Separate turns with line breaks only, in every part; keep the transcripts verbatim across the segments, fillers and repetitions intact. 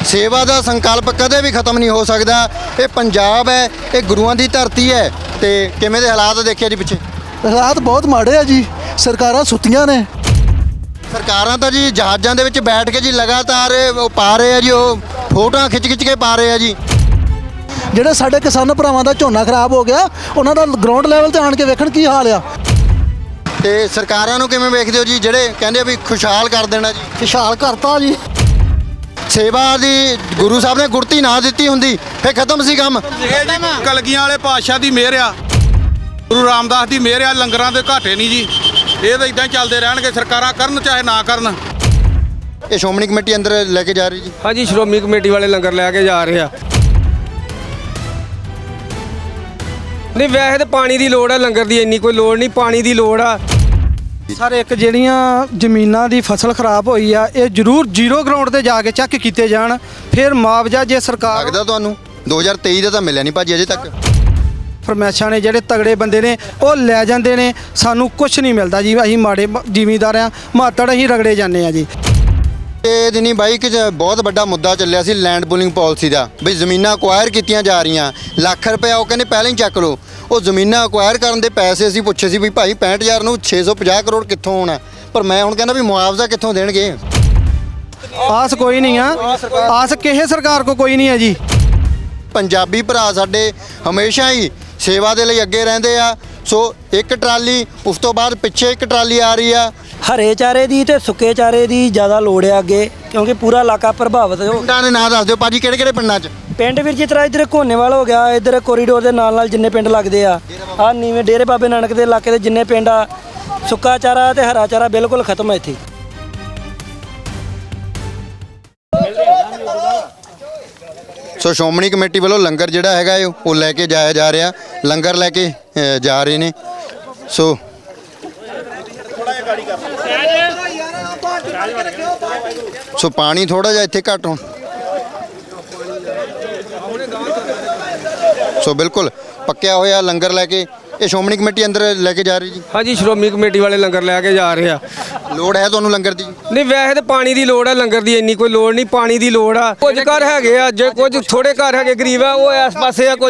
सेवा का संकल्प कदे भी खत्म नहीं हो सकता। ये पंजाब है, ये गुरुआं की धरती है। तो किवें दे हालात देखे जी पिछे?
हालात बहुत माड़े आ जी, सरकारां सुत्तियां ने।
सरकारां तो जी जहाज़ां दे विच बैठ के जी लगातार वो पा रहे हैं जी, वो फोटोआं खिच खिच के पा रहे हैं जी।
ਜਿਹੜੇ ਸਾਡੇ ਕਿਸਾਨ ਭਰਾਵਾਂ ਦਾ ਝੋਨਾ ਖਰਾਬ ਹੋ ਗਿਆ, ਉਹਨਾਂ ਦਾ ਗਰਾਊਂਡ ਲੈਵਲ ਤੇ ਆਣ ਕੇ ਵੇਖਣ ਕੀ ਹਾਲ ਆ।
ਤੇ ਸਰਕਾਰਾਂ ਨੂੰ ਕਿਵੇਂ ਵੇਖਦੇ ਹੋ ਜੀ, ਜਿਹੜੇ ਕਹਿੰਦੇ ਵੀ ਖੁਸ਼ਹਾਲ ਕਰ ਦੇਣਾ ਜੀ?
ਖੁਸ਼ਹਾਲ ਕਰਤਾ ਜੀ।
ਸੇਵਾ ਦੀ ਗੁਰੂ ਸਾਹਿਬ ਨੇ ਗੁਰਤੀ ਨਾ ਦਿੱਤੀ ਹੁੰਦੀ ਫੇ ਖਤਮ ਸੀ ਕੰਮ।
ਕਲਗੀਆਂ ਵਾਲੇ ਪਾਤਸ਼ਾਹ ਦੀ ਮਿਹਰ ਆ, ਗੁਰੂ ਰਾਮਦਾਸ ਦੀ ਮਿਹਰ ਆ, ਲੰਗਰਾਂ ਦੇ ਘਾਟੇ ਨਹੀਂ ਜੀ। ਇਹ ਤਾਂ ਇਦਾਂ ਚੱਲਦੇ ਰਹਿਣਗੇ, ਸਰਕਾਰਾਂ ਕਰਨ ਚਾਹੇ ਨਾ ਕਰਨ।
ਇਹ ਸ਼੍ਰੋਮਣੀ ਕਮੇਟੀ ਅੰਦਰ ਲੈ ਕੇ ਜਾ ਰਹੀ ਜੀ?
हाँ जी, श्रोमणी कमेटी वाले लंगर लैके जा रहे हैं। नहीं वैसे तो पानी की लोड़ है, लंगर की इन्नी कोई लोड़ नहीं, पानी की लोड़ आ।
ਸਰ ਇੱਕ ਜਿਹੜੀਆਂ ਜ਼ਮੀਨਾਂ ਦੀ ਫਸਲ ਖਰਾਬ ਹੋਈ ਆ, ਇਹ ਜ਼ਰੂਰ ਜ਼ੀਰੋ ਗਰਾਊਂਡ ਤੇ ਜਾ ਕੇ ਚੈੱਕ ਕੀਤੇ ਜਾਣ, ਫਿਰ ਮੁਆਵਜ਼ਾ ਜੇ ਸਰਕਾਰ
ਲੱਗਦਾ ਤੁਹਾਨੂੰ ਦੋ ਹਜ਼ਾਰ ਤੇਈ ਦਾ ਤਾਂ ਮਿਲਿਆ ਨਹੀਂ ਭਾਜੀ ਅਜੇ ਤੱਕ।
ਫਰਮੈਸ਼ਾਂ ਨੇ, ਜਿਹੜੇ ਤਗੜੇ ਬੰਦੇ ਨੇ ਉਹ ਲੈ ਜਾਂਦੇ ਨੇ, ਸਾਨੂੰ ਕੁਝ ਨਹੀਂ ਮਿਲਦਾ ਜੀ। ਅਸੀਂ ਮਾੜੇ ਜ਼ਿਮੀਂਦਾਰ ਆ, ਮਾਤੜ ਅਸੀਂ ਰਗੜੇ ਜਾਂਦੇ ਆ ਜੀ।
ਇਹ ਦਿਨੀ ਬਾਈ ਕਿ ਬਹੁਤ ਵੱਡਾ ਮੁੱਦਾ ਚੱਲਿਆ ਸੀ ਲੈਂਡ ਪੂਲਿੰਗ ਪਾਲਿਸੀ ਦਾ, ਵੀ ਜ਼ਮੀਨਾਂ ਅਕਵਾਇਰ ਕੀਤੀਆਂ ਜਾ ਰਹੀਆਂ, ਲੱਖ ਰੁਪਇਆ ਉਹ ਕਹਿੰਦੇ ਪਹਿਲਾਂ ਹੀ ਚੱਕ ਲਓ। ਉਹ ਜ਼ਮੀਨਾਂ ਅਕਵਾਇਰ ਕਰਨ ਦੇ ਪੈਸੇ ਅਸੀਂ ਪੁੱਛੇ ਸੀ ਵੀ ਭਾਈ ਪੈਂਹਠ ਹਜ਼ਾਰ ਨੂੰ ਛੇ ਸੌ ਪੰਜਾਹ ਕਰੋੜ ਕਿੱਥੋਂ ਆਉਣਾ, ਪਰ ਮੈਂ ਹੁਣ ਕਹਿੰਦਾ ਵੀ ਮੁਆਵਜ਼ਾ ਕਿੱਥੋਂ ਦੇਣਗੇ?
ਆਸ ਕੋਈ ਨਹੀਂ ਆ, ਆਸ ਕਿਸੇ ਸਰਕਾਰ ਕੋ ਕੋਈ ਨਹੀਂ ਹੈ ਜੀ।
ਪੰਜਾਬੀ ਭਰਾ ਸਾਡੇ ਹਮੇਸ਼ਾ ਹੀ ਸੇਵਾ ਦੇ ਲਈ ਅੱਗੇ ਰਹਿੰਦੇ ਆ। ਸੋ ਇੱਕ ਟਰਾਲੀ, ਉਸ ਤੋਂ ਬਾਅਦ ਪਿੱਛੇ ਇੱਕ ਟਰਾਲੀ ਆ ਰਹੀ ਆ।
ਹਰੇ ਚਾਰੇ ਦੀ ਤੇ ਸੁੱਕੇ ਚਾਰੇ ਦੀ ਜ਼ਿਆਦਾ ਲੋੜ ਆ ਅੱਗੇ, ਕਿਉਂਕਿ ਪੂਰਾ ਇਲਾਕਾ ਪ੍ਰਭਾਵਿਤ ਹੋ।
ਪਿੰਡਾਂ ਦੇ ਨਾਂ ਦੱਸ ਦਿਓ ਭਾਜੀ, ਕਿਹੜੇ ਕਿਹੜੇ ਪਿੰਡਾਂ 'ਚ?
ਪਿੰਡ ਵੀਰ ਜਿਸ ਤਰ੍ਹਾਂ ਇੱਧਰ ਘੋਨੇਵਾਲ ਹੋ ਗਿਆ, ਇੱਧਰ ਕੋਰੀਡੋਰ ਦੇ ਨਾਲ ਨਾਲ ਜਿੰਨੇ ਪਿੰਡ ਲੱਗਦੇ ਆ, ਆ ਨੀਵੇਂ ਡੇਰੇ ਬਾਬੇ ਨਾਨਕ ਦੇ ਇਲਾਕੇ ਦੇ ਜਿੰਨੇ ਪਿੰਡ ਆ, ਸੁੱਕਾ ਚਾਰਾ ਤੇ ਹਰਾ ਚਾਰਾ ਬਿਲਕੁਲ ਖਤਮ ਹੈ ਇੱਥੇ।
ਸੋ ਸ਼੍ਰੋਮਣੀ ਕਮੇਟੀ ਵੱਲੋਂ ਲੰਗਰ ਜਿਹੜਾ ਹੈਗਾ ਉਹ ਲੈ ਕੇ ਜਾਇਆ ਜਾ ਰਿਹਾ, ਲੰਗਰ ਲੈ ਕੇ ਅ, ਜਾ ਰਹੇ ਨੇ। ਸੋ ਸੋ ਪਾਣੀ ਥੋੜਾ ਜਿਹਾ ਇੱਥੇ ਘੱਟ ਹੋ। ਸੋ ਬਿਲਕੁਲ ਪੱਕਿਆ ਹੋਇਆ ਲੰਗਰ ਲੈ ਕੇ ਇਹ ਸ਼੍ਰੋਮਣੀ ਕਮੇਟੀ ਅੰਦਰ ਲੈ ਕੇ ਜਾ ਰਹੀ ਜੀ?
हाँ जी, श्रोमणी कमेटी वाले लंगर लैके जा रहे हैं।
ਲੋੜ ਹੈ ਤੁਹਾਨੂੰ ਲੰਗਰ ਦੀ?
नहीं वैसे तो पानी की लोड़ है, लंगर की इन्नी कोई लोड़ नहीं, पानी की लोड़ आ। कुछ घर हैगे आ, जे कुछ थोड़े घर हैगे गरीब है, वो इस पासे आ,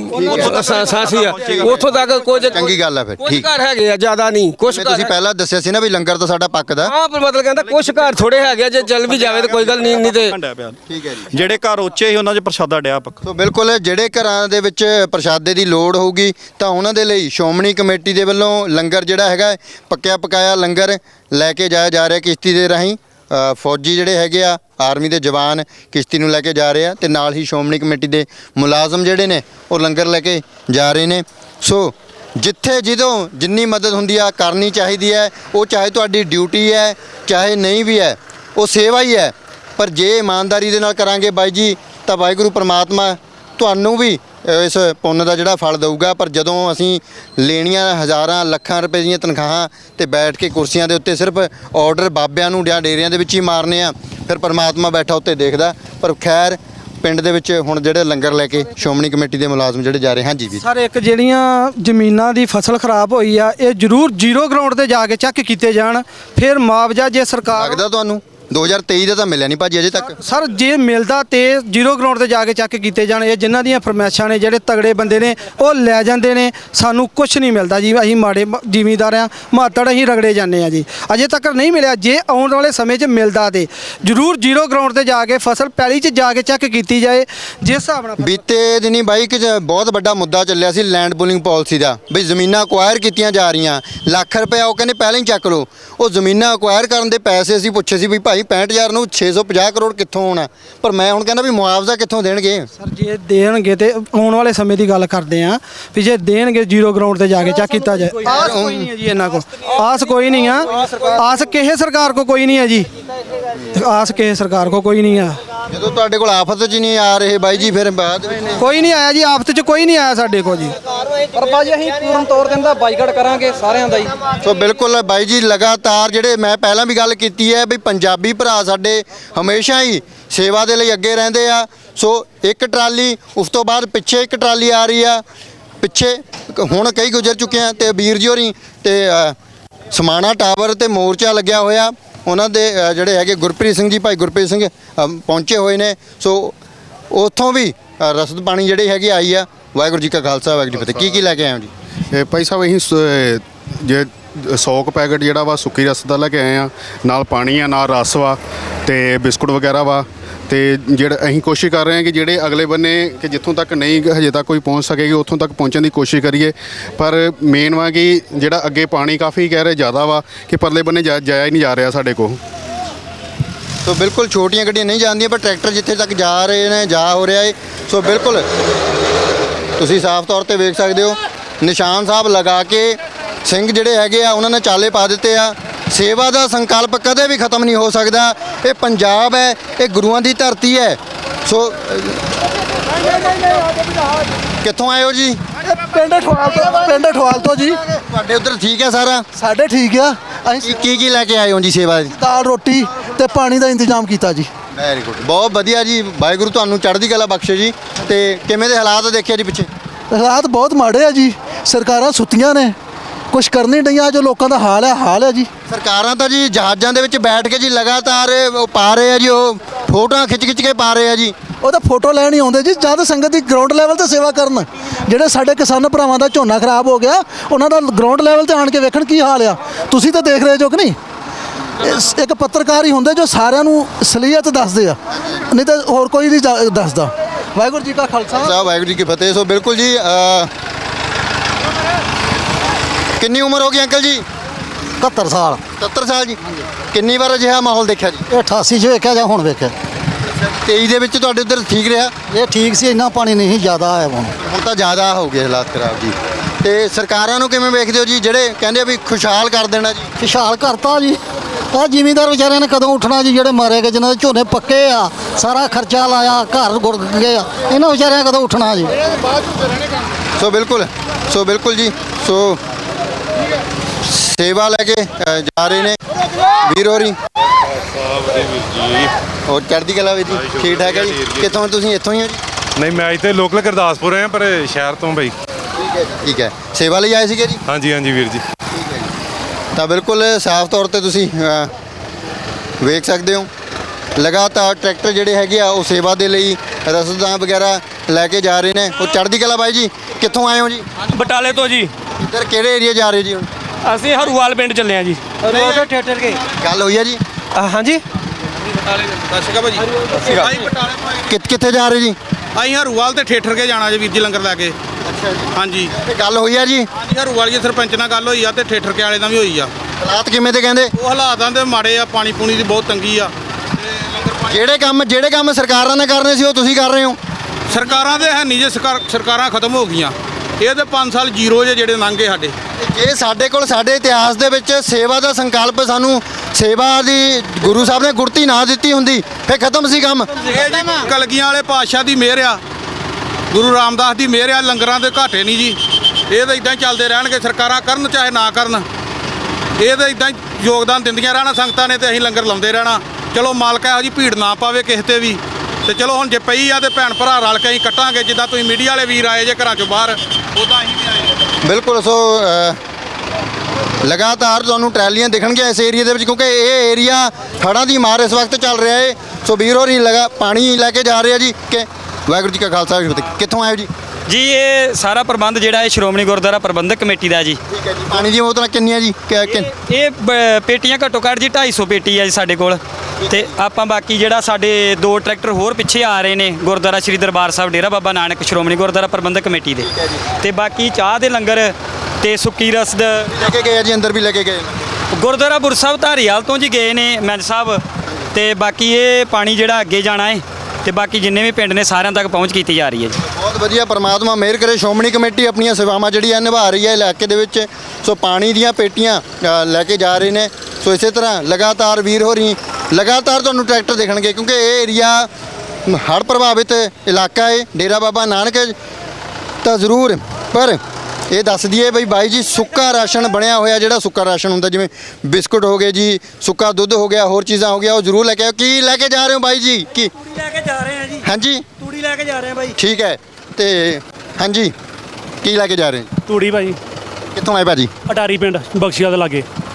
कुछ सासी आ, ਉੱਥੋਂ ਤੱਕ ਕੁਝ
ਚੰਗੀ ਗੱਲ ਹੈ ਫਿਰ,
ਕੁਝ
ਠੀਕ।
ਘਰ ਹੈਗੇ ਆ, ਜ਼ਿਆਦਾ ਨਹੀਂ ਕੁਝ
ਜਿਵੇਂ ਤੁਸੀਂ ਪਹਿਲਾਂ ਦੱਸਿਆ ਸੀ ਨਾ ਵੀ ਲੰਗਰ ਤਾਂ ਸਾਡਾ ਪੱਕਦਾ।
ਹਾਂ, ਪਰ ਮਤਲਬ ਕਹਿੰਦਾ ਕੁਝ ਘਰ ਥੋੜੇ ਹੈਗੇ ਆ, ਜੇ ਚੱਲ ਵੀ ਜਾਵੇ ਤਾਂ ਕੋਈ ਗੱਲ ਨਹੀਂ, ਨਹੀਂ ਤੇ
ਠੀਕ ਹੈ ਜੀ।
ਜਿਹੜੇ ਘਰ ਉੱਚੇ ਸੀ ਉਹਨਾਂ 'ਚ ਪ੍ਰਸ਼ਾਦਾ ਡਿਆ ਪੱਕ।
ਸੋ ਬਿਲਕੁਲ ਜਿਹੜੇ ਘਰਾਂ ਦੇ ਵਿੱਚ ਪ੍ਰਸ਼ਾਦੇ ਦੀ ਲੋੜ ਹੋਊਗੀ ਤਾਂ ਉਹਨਾਂ ਦੇ ਲਈ ਸ਼੍ਰੋਮਣੀ ਕਮੇਟੀ ਦੇ ਵੱਲੋਂ ਲੰਗਰ ਜਿਹੜਾ ਹੈਗਾ ਪੱਕਿਆ ਪਕਾਇਆ ਲੰਗਰ ਲੈ ਕੇ ਜਾਇਆ ਜਾ ਰਿਹਾ ਕਿਸ਼ਤੀ ਦੇ ਰਾਹੀਂ। ਅ, ਫੌਜੀ ਜਿਹੜੇ ਹੈਗੇ ਆ, ਆਰਮੀ ਦੇ ਜਵਾਨ ਕਿਸ਼ਤੀ ਨੂੰ ਲੈ ਕੇ ਜਾ ਰਹੇ ਆ ਤੇ ਨਾਲ ਹੀ ਸ਼੍ਰੋਮਣੀ ਕਮੇਟੀ ਦੇ ਮੁਲਾਜ਼ਮ ਜਿਹੜੇ ਨੇ ਉਹ ਲੰਗਰ ਲੈ ਕੇ ਜਾ ਰਹੇ ਨੇ। ਸੋ ਜਿੱਥੇ ਜਦੋਂ ਜਿੰਨੀ ਮਦਦ ਹੁੰਦੀ ਆ ਕਰਨੀ ਚਾਹੀਦੀ ਹੈ, ਉਹ ਚਾਹੇ ਤੁਹਾਡੀ ਡਿਊਟੀ ਹੈ ਚਾਹੇ ਨਹੀਂ ਵੀ ਹੈ, ਉਹ ਸੇਵਾ ਹੀ ਹੈ। ਪਰ ਜੇ ਇਮਾਨਦਾਰੀ ਦੇ ਨਾਲ ਕਰਾਂਗੇ ਬਾਈ ਜੀ ਤਾਂ ਵਾਹਿਗੁਰੂ ਪ੍ਰਮਾਤਮਾ ਤੁਹਾਨੂੰ ਵੀ ਇਸ ਪੁੰਨ ਦਾ ਜਿਹੜਾ ਫਲ ਦੇਊਗਾ। ਪਰ ਜਦੋਂ ਅਸੀਂ ਲੈਣੀਆਂ ਹਜ਼ਾਰਾਂ ਲੱਖਾਂ ਰੁਪਏ ਦੀਆਂ ਤਨਖਾਹਾਂ ਤੇ ਬੈਠ ਕੇ ਕੁਰਸੀਆਂ ਦੇ ਉੱਤੇ ਸਿਰਫ ਆਰਡਰ ਬਾਬਿਆਂ ਨੂੰ ਜਾਂ ਡੇਰਿਆਂ ਦੇ ਵਿੱਚ ਹੀ ਮਾਰਨੇ ਆ, ਫਿਰ ਪਰਮਾਤਮਾ ਬੈਠਾ ਉੱਤੇ ਦੇਖਦਾ। ਪਰ ਖੈਰ ਪਿੰਡ ਦੇ ਵਿੱਚ ਹੁਣ ਜਿਹੜੇ ਲੰਗਰ ਲੈ ਕੇ ਸ਼੍ਰੋਮਣੀ ਕਮੇਟੀ ਦੇ ਮੁਲਾਜ਼ਮ ਜਿਹੜੇ ਜਾ ਰਹੇ। ਹਾਂਜੀ ਵੀ
ਸਰ ਇੱਕ ਜਿਹੜੀਆਂ ਜ਼ਮੀਨਾਂ ਦੀ ਫਸਲ ਖਰਾਬ ਹੋਈ ਆ, ਇਹ ਜ਼ਰੂਰ ਜ਼ੀਰੋ ਗਰਾਊਂਡ ਤੇ ਜਾ ਕੇ ਚੈੱਕ ਕੀਤੇ ਜਾਣ, ਫਿਰ ਮੁਆਵਜ਼ਾ ਜੇ ਸਰਕਾਰ
ਲੱਗਦਾ ਤੁਹਾਨੂੰ ਦੋ ਹਜ਼ਾਰ ਤੇਈ ਦਾ ਤਾਂ ਮਿਲਿਆ ਨਹੀਂ ਭਾਜੀ ਅਜੇ ਤੱਕ?
ਸਰ ਜੇ ਮਿਲਦਾ ਤੇ ਜ਼ੀਰੋ ਗਰਾਊਂਡ ਤੇ ਜਾ ਕੇ ਚੈੱਕ ਕੀਤੇ ਜਾਣ। ਇਹ ਜਿਨ੍ਹਾਂ ਦੀਆਂ ਫਰਮੈਸ਼ਾਂ ਨੇ, ਜਿਹੜੇ ਤਗੜੇ ਬੰਦੇ ਨੇ ਉਹ ਲੈ ਜਾਂਦੇ ਨੇ, ਸਾਨੂੰ ਕੁਝ ਨਹੀਂ ਮਿਲਦਾ ਜੀ। ਅਸੀਂ ਮਾੜੇ ਜ਼ਿਮੀਂਦਾਰ ਆ, ਮਾਤੜ ਅਸੀਂ ਰਗੜੇ ਜਾਂਦੇ ਆ ਜੀ। ਅਜੇ ਤੱਕ ਨਹੀਂ ਮਿਲਿਆ। ਜੇ ਆਉਣ ਵਾਲੇ ਸਮੇਂ 'ਚ ਮਿਲਦਾ ਤੇ ਜ਼ਰੂਰ ਜ਼ੀਰੋ ਗਰਾਊਂਡ ਤੇ ਜਾ ਕੇ ਫਸਲ ਪੈਲੀ 'ਚ ਜਾ ਕੇ ਚੈੱਕ ਕੀਤੀ ਜਾਏ, ਜਿਸ ਹਿਸਾਬ ਨਾਲ।
ਬੀਤੇ ਦਿਨੀ ਬਾਈ ਕਿ ਬਹੁਤ ਵੱਡਾ ਮੁੱਦਾ ਚੱਲਿਆ ਸੀ ਲੈਂਡ ਪੂਲਿੰਗ ਪਾਲਿਸੀ ਦਾ, ਵੀ ਜ਼ਮੀਨਾਂ ਅਕਵਾਇਰ ਕੀਤੀਆਂ ਜਾ ਰਹੀਆਂ, ਲੱਖ ਰੁਪਇਆ ਉਹ ਕਹਿੰਦੇ ਪਹਿਲਾਂ ਹੀ ਚੱਕ ਲਓ। ਉਹ ਜ਼ਮੀਨਾਂ ਅਕਵਾਇਰ ਕਰਨ ਦੇ ਪੈਸੇ ਅਸੀਂ ਪੁੱਛੇ ਸੀ ਵੀ ਭਾਈ ਪੈਂਹਠ ਹਜ਼ਾਰ ਨੂੰ ਛੇ ਸੌ ਪੰਜਾਹ ਕਰੋੜ ਕਿੱਥੋਂ ਆਉਣਾ, ਪਰ ਮੈਂ ਹੁਣ ਕਹਿੰਦਾ ਵੀ ਮੁਆਵਜ਼ਾ ਕਿੱਥੋਂ ਦੇਣਗੇ?
ਸਰ ਜੇ ਦੇਣਗੇ ਤੇ ਆਉਣ ਵਾਲੇ ਸਮੇਂ ਦੀ ਗੱਲ ਕਰਦੇ ਆ, ਵੀ ਜੇ ਦੇਣਗੇ ਜ਼ੀਰੋ ਗਰਾਊਂਡ ਤੇ ਜਾ ਕੇ ਚੈੱਕ ਕੀਤਾ ਜਾਏ। ਆਸ ਕੋਈ ਨਹੀਂ ਹੈ ਜੀ ਇਹਨਾਂ ਕੋ, ਆਸ ਕੋਈ ਨਹੀਂ ਆ, ਆਸ ਕਿਸੇ ਸਰਕਾਰ ਕੋ ਕੋਈ ਨਹੀਂ ਹੈ ਜੀ, ਆਸ ਕਿਸੇ ਸਰਕਾਰ ਕੋ ਕੋਈ ਨਹੀਂ ਆ।
ਜਦੋਂ ਤੁਹਾਡੇ ਕੋਲ ਆਫਤ 'ਚ ਨਹੀਂ ਆ ਰਹੇ ਬਾਈ ਜੀ, ਫਿਰ ਬਾਅਦ
ਕੋਈ ਨਹੀਂ ਆਇਆ ਜੀ, ਆਫਤ 'ਚ ਕੋਈ ਨਹੀਂ ਆਇਆ ਸਾਡੇ ਕੋਲ ਜੀ।
ਪਰ ਬਾਜੀ ਅਸੀਂ ਪੂਰਨ ਤੌਰ ਤੇ ਦਾ ਬਾਈਕਾਟ ਕਰਾਂਗੇ ਸਾਰਿਆਂ ਦਾ ਹੀ।
ਸੋ ਬਿਲਕੁਲ ਬਾਈ ਜੀ ਲਗਾਤਾਰ ਜਿਹੜੇ ਮੈਂ ਪਹਿਲਾਂ ਵੀ ਗੱਲ ਕੀਤੀ ਹੈ ਵੀ ਪੰਜਾਬੀ ਭਰਾ ਸਾਡੇ ਹਮੇਸ਼ਾ ਹੀ ਸੇਵਾ ਦੇ ਲਈ ਅੱਗੇ ਰਹਿੰਦੇ ਆ। ਸੋ ਇੱਕ ਟਰਾਲੀ, ਉਸ ਤੋਂ ਬਾਅਦ ਪਿੱਛੇ ਇੱਕ ਟਰਾਲੀ ਆ ਰਹੀ ਆ, ਪਿੱਛੇ ਹੁਣ ਕਈ ਗੁਜ਼ਰ ਚੁੱਕੇ ਆ ਤੇ ਵੀਰ ਜੀ ਹੋਰੀ ਤੇ ਸਮਾਣਾ ਟਾਵਰ ਤੇ ਮੋਰਚਾ ਲੱਗਿਆ ਹੋਇਆ, ਉਹਨਾਂ ਦੇ ਅ, ਜਿਹੜੇ ਹੈਗੇ ਗੁਰਪ੍ਰੀਤ ਸਿੰਘ ਜੀ, ਭਾਈ ਗੁਰਪ੍ਰੀਤ ਸਿੰਘ ਅ, ਪਹੁੰਚੇ ਹੋਏ ਨੇ। ਸੋ ਉੱਥੋਂ ਵੀ ਅ, ਰਸਦ ਪਾਣੀ ਜਿਹੜੀ ਹੈਗੀ ਆਈ ਆ। ਵਾਹਿਗੁਰੂ ਜੀ ਕਾ ਖਾਲਸਾ, ਵਾਹਿਗੁਰੂ ਜੀ ਕੀ ਫਤਿਹ। ਕੀ ਕੀ ਲੈ ਕੇ ਆਏ ਹੋ ਜੀ?
ਇਹ ਭਾਈ ਸਾਹਿਬ ਅਸੀਂ ਸ- ਜੇ ਸੌ ਕੁ ਪੈਕਟ ਜਿਹੜਾ ਵਾ ਸੁੱਕੀ ਰਸ ਦਾ ਲੈ ਕੇ ਆਏ ਆ, ਨਾਲ ਪਾਣੀ ਆ, ਨਾਲ ਰਸ ਵਾ ਤੇ ਬਿਸਕੁਟ ਵਗੈਰਾ ਵਾ। ਤੇ ਜਿਹੜਾ ਅਸੀਂ ਕੋਸ਼ਿਸ਼ ਕਰ ਰਹੇ ਹਾਂ ਕਿ ਜਿਹੜੇ ਅਗਲੇ ਬੰਨੇ ਕਿ ਜਿੱਥੋਂ ਤੱਕ ਨਹੀਂ ਹਜੇ ਤੱਕ ਕੋਈ ਪਹੁੰਚ ਸਕੇਗੀ ਉੱਥੋਂ ਤੱਕ ਪਹੁੰਚਣ ਦੀ ਕੋਸ਼ਿਸ਼ ਕਰੀਏ। ਪਰ ਮੇਨ ਵਾ ਕਿ ਜਿਹੜਾ ਅੱਗੇ ਪਾਣੀ ਕਾਫੀ ਕਹਿ ਰਹੇ ਜ਼ਿਆਦਾ ਵਾ ਕਿ ਪਰਲੇ ਬੰਨੇ ਜਾ- ਜਾਇਆ ਹੀ ਨਹੀਂ ਜਾ ਰਿਹਾ ਸਾਡੇ ਕੋਲ।
ਸੋ ਬਿਲਕੁਲ ਛੋਟੀਆਂ ਗੱਡੀਆਂ ਨਹੀਂ ਜਾਂਦੀਆਂ, ਪਰ ਟਰੈਕਟਰ ਜਿੱਥੇ ਤੱਕ ਜਾ ਰਹੇ ਨੇ ਜਾ ਹੋ ਰਿਹਾ ਏ। ਸੋ ਬਿਲਕੁਲ ਤੁਸੀਂ ਸਾਫ਼ ਤੌਰ ਤੇ ਵੇਖ ਸਕਦੇ ਹੋ, ਨਿਸ਼ਾਨ ਸਾਹਿਬ ਲਗਾ ਕੇ ਸਿੰਘ ਜਿਹੜੇ ਹੈਗੇ ਆ ਉਹਨਾਂ ਨੇ ਚਾਲੇ ਪਾ ਦਿੱਤੇ ਆ। ਸੇਵਾ ਦਾ ਸੰਕਲਪ ਕਦੇ ਵੀ ਖਤਮ ਨਹੀਂ ਹੋ ਸਕਦਾ। ਇਹ ਪੰਜਾਬ ਹੈ, ਇਹ ਗੁਰੂਆਂ ਦੀ ਧਰਤੀ ਹੈ। ਸੋ ਕਿੱਥੋਂ ਆਏ ਹੋ ਜੀ?
ਪਿੰਡ ਠਵਾਲ ਤੋਂ ਪਿੰਡ ਠਵਾਲ ਤੋਂ ਜੀ।
ਤੁਹਾਡੇ ਉਧਰ ਠੀਕ ਹੈ ਸਾਰਾ?
ਸਾਡੇ ਠੀਕ ਆ। ਅਸੀਂ
ਕੀ ਕੀ ਲੈ ਕੇ ਆਏ ਹੋ ਜੀ ਸੇਵਾ ਦੀ?
ਦਾਲ ਰੋਟੀ ਤੇ ਪਾਣੀ ਦਾ ਇੰਤਜ਼ਾਮ ਕੀਤਾ ਜੀ।
ਵੈਰੀ ਗੁੱਡ, ਬਹੁਤ ਵਧੀਆ ਜੀ। ਵਾਹਿਗੁਰੂ ਤੁਹਾਨੂੰ ਚੜ੍ਹਦੀ ਕਲਾ ਬਖਸ਼ੇ ਜੀ। ਤੇ ਕਿਵੇਂ ਦੇ ਹਾਲਾਤ ਦੇਖਿਆ ਜੀ ਪਿੱਛੇ?
ਹਾਲਾਤ ਬਹੁਤ ਮਾੜੇ ਆ ਜੀ। ਸਰਕਾਰਾਂ ਸੁੱਤੀਆਂ ਨੇ, ਕੁਝ ਕਰ ਨਹੀਂ ਡਈਆਂ। ਜੋ ਲੋਕਾਂ ਦਾ ਹਾਲ ਹੈ ਹਾਲ ਹੈ ਜੀ।
ਸਰਕਾਰਾਂ ਤਾਂ ਜੀ ਜਹਾਜ਼ਾਂ ਦੇ ਵਿੱਚ ਬੈਠ ਕੇ ਜੀ ਲਗਾਤਾਰ ਉਹ ਪਾ ਰਹੇ ਆ ਜੀ, ਉਹ ਫੋਟੋਆਂ ਖਿੱਚ ਖਿੱਚ ਕੇ ਪਾ ਰਹੇ ਆ ਜੀ।
ਉਹ ਤਾਂ ਫੋਟੋ ਲੈਣ ਹੀ ਆਉਂਦੇ ਜੀ। ਜਦ ਸੰਗਤ ਦੀ ਗਰਾਊਂਡ ਲੈਵਲ ਤੇ ਸੇਵਾ ਕਰਨ। ਜਿਹੜੇ ਸਾਡੇ ਕਿਸਾਨ ਭਰਾਵਾਂ ਦਾ ਝੋਨਾ ਖਰਾਬ ਹੋ ਗਿਆ, ਉਹਨਾਂ ਦਾ ਗਰਾਊਂਡ ਲੈਵਲ ਤੇ ਆਣ ਕੇ ਵੇਖਣ ਕੀ ਹਾਲ ਆ। ਤੁਸੀਂ ਤਾਂ ਦੇਖ ਰਹੇ ਜੋ ਕਿ ਨਹੀਂ। ਇਸ- ਇੱਕ ਪੱਤਰਕਾਰ ਹੀ ਹੁੰਦੇ ਜੋ ਸਾਰਿਆਂ ਨੂੰ ਅਸਲੀਅਤ ਦੱਸਦੇ ਆ, ਨਹੀਂ ਤਾਂ ਹੋਰ ਕੋਈ ਨਹੀਂ ਜਾ- ਦੱਸਦਾ। ਵਾਹਿਗੁਰੂ ਜੀ ਕਾ ਖਾਲਸਾ,
ਸਾਹਿਬ ਵਾਹਿਗੁਰੂ ਜੀ ਕੀ ਫਤਿਹ। ਸੋ ਬਿਲਕੁਲ ਜੀ ਅ, ਕਿੰਨੀ ਉਮਰ ਹੋ ਗਈ ਅੰਕਲ ਜੀ?
ਇਕਹੱਤਰ ਸਾਲ।
ਸੱਤਰ ਸਾਲ ਜੀ। ਕਿੰਨੀ ਵਾਰ ਅਜਿਹਾ ਮਾਹੌਲ ਦੇਖਿਆ ਜੀ?
ਇਹ ਅਠਾਸੀ 'ਚ ਵੇਖਿਆ ਜਾਂ ਹੁਣ ਵੇਖਿਆ?
ਤੇਈ ਦੇ ਵਿੱਚ ਤੁਹਾਡੇ ਉੱਧਰ ਠੀਕ ਰਿਹਾ?
ਇਹ ਠੀਕ ਸੀ, ਇੰਨਾ ਪਾਣੀ ਨਹੀਂ ਜ਼ਿਆਦਾ ਆਇਆ ਹੁਣ।
ਹੁਣ ਤਾਂ ਜ਼ਿਆਦਾ ਹੋ ਗਏ ਹਾਲਾਤ ਖਰਾਬ ਜੀ। ਤੇ ਸਰਕਾਰਾਂ ਨੂੰ ਕਿਵੇਂ ਵੇਖਦੇ ਹੋ ਜੀ, ਜਿਹੜੇ ਕਹਿੰਦੇ ਆ ਵੀ ਖੁਸ਼ਹਾਲ ਕਰ ਦੇਣਾ ਜੀ?
ਖੁਸ਼ਹਾਲ ਕਰਤਾ ਜੀ। ਆ ਜ਼ਿਮੀਂਦਾਰ ਵਿਚਾਰਿਆਂ ਨੇ ਕਦੋਂ ਉੱਠਣਾ ਜੀ? ਜਿਹੜੇ ਮਾਰੇ ਗਏ, ਜਿਨ੍ਹਾਂ ਦੇ ਝੋਨੇ ਪੱਕੇ ਆ, ਸਾਰਾ ਖਰਚਾ ਲਾਇਆ, ਘਰ ਗੁੜ ਗਏ ਆ, ਇਹਨਾਂ ਵਿਚਾਰਿਆਂ ਕਦੋਂ ਉੱਠਣਾ ਜੀ?
ਸੋ ਬਿਲਕੁਲ ਸੋ ਬਿਲਕੁਲ ਜੀ। ਸੋ ਸੇਵਾ ਲੈ ਕੇ ਅ, ਜਾ ਰਹੇ ਨੇ ਵੀਰ ਹੋਰੀ। ਹੋਰ ਚੜ੍ਹਦੀ ਕਲਾ ਵੀਰ ਜੀ, ਠੀਕ ਠਾਕ ਹੈ ਜੀ? ਕਿੱਥੋਂ ਤੁਸੀਂ? ਇੱਥੋਂ ਹੀ ਹੋ ਜੀ?
ਨਹੀਂ, ਮੈਂ ਇੱਥੇ ਲੋਕਲ ਗੁਰਦਾਸਪੁਰ ਆਇਆ, ਪਰ ਸ਼ਹਿਰ ਤੋਂ ਬਈ।
ਠੀਕ ਹੈ ਜੀ, ਠੀਕ ਹੈ। ਸੇਵਾ ਲਈ ਆਏ ਸੀਗੇ ਜੀ?
ਹਾਂਜੀ ਹਾਂਜੀ ਵੀਰ ਜੀ।
ਤਾਂ ਬਿਲਕੁਲ ਸਾਫ਼ ਤੌਰ ਤੇ ਤੁਸੀਂ ਅ, ਵੇਖ ਸਕਦੇ ਹੋ, ਲਗਾਤਾਰ ਟਰੈਕਟਰ ਜਿਹੜੇ ਹੈਗੇ ਆ ਉਹ ਸੇਵਾ ਦੇ ਲਈ ਰਸਦਾਂ ਵਗੈਰਾ ਲੈ ਕੇ ਜਾ ਰਹੇ ਨੇ। ਉਹ ਚੜ੍ਹਦੀ ਕਲਾ ਬਾਈ ਜੀ, ਕਿੱਥੋਂ ਆਏ ਹੋ ਜੀ?
ਬਟਾਲੇ ਤੋਂ ਜੀ।
ਇੱਧਰ ਕਿਹੜੇ ਏਰੀਆ ਜਾ ਰਹੇ ਜੀ ਹੁਣ?
ਅਸੀਂ ਹਰੂਵਾਲ ਪਿੰਡ ਚੱਲੇ ਆ ਜੀ।
ਰੋਡ ਠੇਠਰ ਕੇ
ਗੱਲ ਹੋਈ ਹੈ ਜੀ?
ਹਾਂਜੀ।
ਸਤਿ ਸ਼੍ਰੀ ਅਕਾਲ ਭਾਜੀ। ਅਸੀਂ ਬਟਾਲੇ ਤੋਂ ਆਏ।
ਕਿ ਕਿੱਥੇ ਜਾ ਰਹੇ ਜੀ?
ਅਸੀਂ ਹਰੂਵਾਲ ਤੇ ਠੇਠਰ ਕੇ ਜਾਣਾ ਜੀ ਵੀਰ ਜੀ, ਲੰਗਰ ਲੈ ਕੇ।
ਅੱਛਾ ਜੀ।
ਹਾਂਜੀ
ਤੇ ਗੱਲ ਹੋਈ ਹੈ ਜੀ?
ਹਾਂਜੀ, ਹਰੂਵਾਲ ਜੀ ਸਰਪੰਚ ਨਾਲ ਗੱਲ ਹੋਈ ਆ ਤੇ ਠੇਠਰ ਕੇ ਵਾਲੇ ਨਾਲ ਵੀ ਹੋਈ ਆ।
ਹਾਲਾਤ ਕਿਵੇਂ ਤੇ ਕਹਿੰਦੇ?
ਉਹ ਹਾਲਾਤਾਂ ਦੇ ਮਾੜੇ ਆ, ਪਾਣੀ ਪੂਣੀ ਦੀ ਬਹੁਤ ਤੰਗੀ ਆ ਤੇ ਲੰਗਰ ਪਾਣੀ
ਜਿਹੜੇ ਕੰਮ ਜਿਹੜੇ ਕੰਮ ਸਰਕਾਰਾਂ ਨੇ ਕਰਨੇ ਸੀ ਉਹ ਤੁਸੀਂ ਕਰ ਰਹੇ ਹੋ।
ਸਰਕਾਰਾਂ ਦੇ ਹੈ ਨਹੀਂ ਜੇ, ਸਰਕਾਰ ਸਰਕਾਰਾਂ ਖਤਮ ਹੋ ਗਈਆਂ। ਇਹ ਤੇ ਪੰਜ ਸਾਲ ਜ਼ੀਰੋ ਜੇ ਜਿਹੜੇ ਲੰਘੇ ਸਾਡੇ।
ਜੇ ਸਾਡੇ ਕੋਲ ਸਾਡੇ ਇਤਿਹਾਸ ਦੇ ਵਿੱਚ ਸੇਵਾ ਦਾ ਸੰਕਲਪ, ਸਾਨੂੰ ਸੇਵਾ ਦੀ ਗੁਰੂ ਸਾਹਿਬ ਨੇ ਗੁਰਤੀ ਨਾ ਦਿੱਤੀ ਹੁੰਦੀ, ਫਿਰ ਖਤਮ ਸੀ ਕੰਮ।
ਇਹ ਜੀ ਕਲਗੀਆਂ ਵਾਲੇ ਪਾਤਸ਼ਾਹ ਦੀ ਮਿਹਰ ਆ, ਗੁਰੂ ਰਾਮਦਾਸ ਦੀ ਮਿਹਰ ਆ। ਲੰਗਰਾਂ ਦੇ ਘਾਟੇ ਨਹੀਂ ਜੀ। ਇਹ ਤਾਂ ਇਦਾਂ ਹੀ ਚੱਲਦੇ ਰਹਿਣਗੇ, ਸਰਕਾਰਾਂ ਕਰਨ ਚਾਹੇ ਨਾ ਕਰਨ। ਇਹ ਤਾਂ ਇਦਾਂ ਹੀ ਯੋਗਦਾਨ ਦਿੰਦੀਆਂ ਰਹਿਣਾ ਸੰਗਤਾਂ ਨੇ, ਤੇ ਅਸੀਂ ਲੰਗਰ ਲਾਉਂਦੇ ਰਹਿਣਾ। ਚਲੋ ਮਾਲਕ ਇਹੋ ਜਿਹੀ ਭੀੜ ਨਾ ਪਾਵੇ ਕਿਸੇ ਤੇ ਵੀ। ਤੇ ਚਲੋ ਹੁਣ ਜੇ ਪਈ ਆ ਤੇ ਭੈਣ ਭਰਾ ਰਲ ਕੇ ਅਸੀਂ ਕੱਟਾਂਗੇ। ਜਿੱਦਾਂ ਤੁਸੀਂ ਮੀਡੀਆ ਵਾਲੇ ਵੀਰ ਆਏ ਜੇ ਘਰਾਂ ਚੋਂ ਬਾਹਰ, ਉਦਾਂ ਅਸੀਂ ਵੀ ਆਏ।
ਬਿਲਕੁਲ। ਸੋ ਅ, ਲਗਾਤਾਰ ਤੁਹਾਨੂੰ ਟਰਾਲੀਆਂ ਦਿਖਣਗੀਆਂ ਇਸ ਏਰੀਆ ਦੇ ਵਿੱਚ, ਕਿਉਂਕਿ ਇਹ ਏਰੀਆ ਹੜ੍ਹਾਂ ਦੀ ਮਾਰ ਇਸ ਵਕਤ ਚੱਲ ਰਿਹਾ ਹੈ। ਸੋ ਵੀਰ ਹੋਰੀ ਲਗਾ ਪਾਣੀ ਲੈ ਕੇ ਜਾ ਰਹੇ ਆ ਜੀ। ਕਿ ਵਾਹਿਗੁਰੂ ਜੀ ਕਾ ਖਾਲਸਾ, ਵਾਹਿਗੁਰੂ ਜੀ ਕੀ ਫਤਿਹ। ਕਿੱਥੋਂ ਆਏ ਹੋ ਜੀ?
ਜੀ ਇਹ ਸਾਰਾ ਪ੍ਰਬੰਧ ਜਿਹੜਾ ਇਹ ਸ਼੍ਰੋਮਣੀ ਗੁਰਦੁਆਰਾ ਪ੍ਰਬੰਧਕ ਕਮੇਟੀ ਦਾ ਜੀ।
ਠੀਕ ਹੈ ਜੀ। ਪਾਣੀ ਦੀਆਂ ਬੋਤਲਾਂ ਕਿੰਨੀਆਂ ਜੀ? ਕਿ- ਕਿ-
ਇਹ ਬ- ਪੇਟੀਆਂ ਘੱਟੋ ਘੱਟ ਜੀ ਢਾਈ ਸੌ ਪੇਟੀ ਆ ਜੀ ਸਾਡੇ ਕੋਲ। ਤੇ ਆਪਾਂ ਬਾਕੀ ਜਿਹੜਾ ਸਾਡੇ ਦੋ ਟਰੈਕਟਰ ਹੋਰ ਪਿੱਛੇ ਆ ਰਹੇ ਨੇ ਗੁਰਦੁਆਰਾ ਸ਼੍ਰੀ ਦਰਬਾਰ ਸਾਹਿਬ ਡੇਰਾ ਬਾਬਾ ਨਾਨਕ ਸ਼੍ਰੋਮਣੀ ਗੁਰਦੁਆਰਾ ਪ੍ਰਬੰਧਕ ਕਮੇਟੀ ਦੇ। ਤੇ ਬਾਕੀ ਚਾਹ ਦੇ ਲੰਗਰ ਤੇ ਸੁੱਕੀ ਰਸਦ
ਲੈ ਕੇ ਗਏ ਆ ਜੀ, ਅੰਦਰ ਵੀ ਲੈ ਕੇ ਗਏ।
ਗੁਰਦੁਆਰਾ ਬੁਰ ਸਾਹਿਬ ਧਾਰੀਵਾਲ ਤੋਂ ਜੀ ਗਏ ਨੇ ਮੈਂਜ ਸਾਹਿਬ। ਤੇ ਬਾਕੀ ਇਹ ਪਾਣੀ ਜਿਹੜਾ ਅੱਗੇ ਜਾਣਾ ਹੈ ਤੇ ਬਾਕੀ ਜਿੰਨੇ ਵੀ ਪਿੰਡ ਨੇ ਸਾਰਿਆਂ ਤੱਕ ਪਹੁੰਚ ਕੀਤੀ ਜਾ ਰਹੀ ਹੈ ਜੀ।
ਬਹੁਤ ਵਧੀਆ, ਪਰਮਾਤਮਾ ਮਿਹਰ ਕਰੇ। ਸ਼੍ਰੋਮਣੀ ਕਮੇਟੀ ਆਪਣੀਆਂ ਸੇਵਾਵਾਂ ਜਿਹੜੀਆਂ ਨਿਭਾ ਰਹੀ ਹੈ ਇਲਾਕੇ ਦੇ ਵਿੱਚ। ਸੋ ਪਾਣੀ ਦੀਆਂ ਪੇਟੀਆਂ ਅ, ਲੈ ਕੇ ਜਾ ਰਹੇ ਨੇ। ਸੋ ਇਸੇ ਤਰ੍ਹਾਂ ਲਗਾਤਾਰ ਵੀਰ ਹੋਰੀ ਲਗਾਤਾਰ ਤੁਹਾਨੂੰ ਟਰੈਕਟਰ ਦੇਖਣਗੇ, ਕਿਉਂਕਿ ਇਹ ਏਰੀਆ ਹੜ੍ਹ ਪ੍ਰਭਾਵਿਤ ਇਲਾਕਾ ਹੈ, ਡੇਰਾ ਬਾਬਾ ਨਾਨਕ। ਤਾਂ ਜ਼ਰੂਰ ਪਰ ਇਹ ਦੱਸ ਦਈਏ ਬਈ ਬਾਈ ਜੀ, ਸੁੱਕਾ ਰਾਸ਼ਨ ਬਣਿਆ ਹੋਇਆ, ਜਿਹੜਾ ਸੁੱਕਾ ਰਾਸ਼ਨ ਹੁੰਦਾ ਜਿਵੇਂ ਬਿਸਕੁਟ ਹੋ ਗਏ ਜੀ, ਸੁੱਕਾ ਦੁੱਧ ਹੋ ਗਿਆ, ਹੋਰ ਚੀਜ਼ਾਂ ਹੋ ਗਿਆ, ਉਹ ਜ਼ਰੂਰ ਲੈ ਕੇ ਆਓ। ਕੀ ਲੈ ਕੇ ਜਾ ਰਹੇ ਹੋ ਬਾਈ ਜੀ? ਕੀ
ਲੈ ਕੇ ਜਾ ਰਹੇ ਆ ਜੀ?
ਹਾਂਜੀ,
ਤੂੜੀ ਲੈ ਕੇ ਜਾ ਰਹੇ ਆ ਬਾਈ।
ਠੀਕ ਹੈ। ਤੇ ਹਾਂਜੀ, ਕੀ ਲੈ ਕੇ ਜਾ ਰਹੇ ਹੋ?
ਤੂੜੀ ਭਾਜੀ।
ਕਿੱਥੋਂ ਆਏ ਭਾਜੀ?
ਅਟਾਰੀ ਪਿੰਡ ਬਖਸ਼ੀਆ ਦੇ ਲਾਗੇ।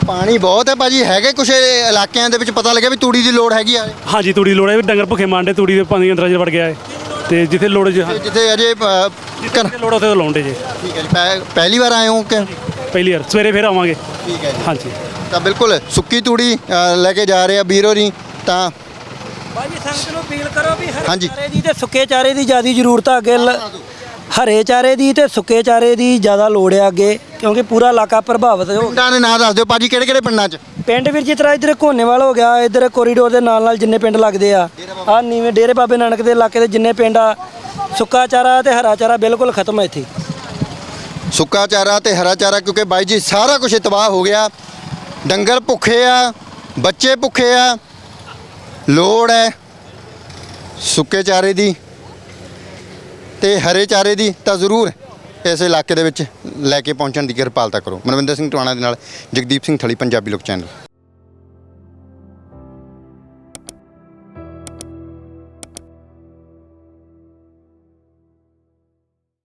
ਪਾਣੀ ਬਹੁਤ ਹੈ ਭਾਜੀ, ਹੈਗੇ ਕੁਛ ਇਲਾਕਿਆਂ ਦੇ ਵਿੱਚ ਪਤਾ ਲੱਗਿਆ ਵੀ ਤੂੜੀ ਦੀ ਲੋੜ ਹੈਗੀ ਆ
ਹਾਂਜੀ ਤੂੜੀ ਦੀ ਲੋੜ ਹੈ, ਡੰਗਰ ਭੁੱਖੇ ਮਾਰਦੇ, ਤੂੜੀ ਦੇ ਪਾਣੀ ਅੰਦਰ ਵੜ ਗਿਆ ਹੈ ਤੇ ਜਿੱਥੇ ਲੋੜ ਜ-
ਤੇ ਜਿੱਥੇ ਅਜੇ ਅ, ਘਰ-
ਜਿੱਥੇ ਲੋੜ ਉੱਥੇ ਲਾਉਂਦੇ ਜੇ।
ਠੀਕ ਹੈ ਜੀ, ਪਹਿ- ਪਹਿਲੀ ਵਾਰ ਆਏ ਹੋ ਕਿ
ਪਹਿਲੀ ਵਾਰ ਸਵੇਰੇ ਫਿਰ ਆਵਾਂਗੇ।
ਠੀਕ ਹੈ ਜੀ।
ਹਾਂਜੀ
ਤਾਂ ਬਿਲਕੁਲ ਸੁੱਕੀ ਤੂੜੀ ਅ, ਲੈ ਕੇ ਜਾ ਰਹੇ ਆ ਵੀਰ ਹੋਰੀ। ਤਾਂ
ਬਾਜੀ ਸੰਗਤ ਨੂੰ ਅਪੀਲ ਕਰੋ ਵੀ ਹਰੇ
ਹਾਂਜੀ।
ਚਾਰੇ ਦੀ ਤੇ ਸੁੱਕੇ ਚਾਰੇ ਦੀ ਜ਼ਿਆਦਾ ਜ਼ਰੂਰਤ ਆ ਅੱਗੇ ਲ- ਹਰੇ ਚਾਰੇ ਦੀ ਤੇ ਸੁੱਕੇ ਚਾਰੇ ਦੀ ਜ਼ਿਆਦਾ ਲੋੜ ਆ ਅੱਗੇ, ਕਿਉਂਕਿ ਪੂਰਾ ਇਲਾਕਾ ਪ੍ਰਭਾਵਿਤ ਹੋ
ਪਿੰਡਾਂ ਦੇ ਨਾਂ ਦੱਸ ਦਿਓ ਭਾਜੀ, ਕਿਹੜੇ ਕਿਹੜੇ ਪਿੰਡਾਂ 'ਚ?
ਪਿੰਡ ਵੀਰ ਜਿਸ ਤਰ੍ਹਾਂ ਇੱਧਰ ਘੋਨੇਵਾਲ ਹੋ ਗਿਆ, ਇੱਧਰ ਕੋਰੀਡੋਰ ਦੇ ਨਾਲ ਨਾਲ ਜਿੰਨੇ ਪਿੰਡ ਲੱਗਦੇ ਆ ਆ ਨੀਵੇਂ ਡੇਰੇ ਬਾਬੇ ਨਾਨਕ ਦੇ ਇਲਾਕੇ ਦੇ ਜਿੰਨੇ ਪਿੰਡ ਆ, ਸੁੱਕਾ ਚਾਰਾ ਤੇ ਹਰਾ ਚਾਰਾ ਬਿਲਕੁਲ ਖਤਮ ਹੈ ਇੱਥੇ।
ਸੁੱਕਾ ਚਾਰਾ ਤੇ ਹਰਾ ਚਾਰਾ, ਕਿਉਂਕਿ ਬਾਈ ਜੀ ਸਾਰਾ ਕੁਝ ਤਬਾਹ ਹੋ ਗਿਆ। ਡੰਗਰ ਭੁੱਖੇ ਆ, ਬੱਚੇ ਭੁੱਖੇ ਆ, ਲੋੜ ਹੈ ਸੁੱਕੇ ਚਾਰੇ ਦੀ ਤੇ ਹਰੇ ਚਾਰੇ ਦੀ। ਤਾਂ ਜ਼ਰੂਰ ਇਸ ਇਲਾਕੇ ਦੇ ਵਿੱਚ ਲੈ ਕੇ ਪਹੁੰਚਣ ਦੀ ਕਿਰਪਾਲਤਾ ਕਰੋ। ਮਨਵਿੰਦਰ ਸਿੰਘ ਟਵਾਣਾ ਦੇ ਨਾਲ ਜਗਦੀਪ ਸਿੰਘ ਥਲੀ, ਪੰਜਾਬੀ ਲੋਕ ਚੈਨਲ।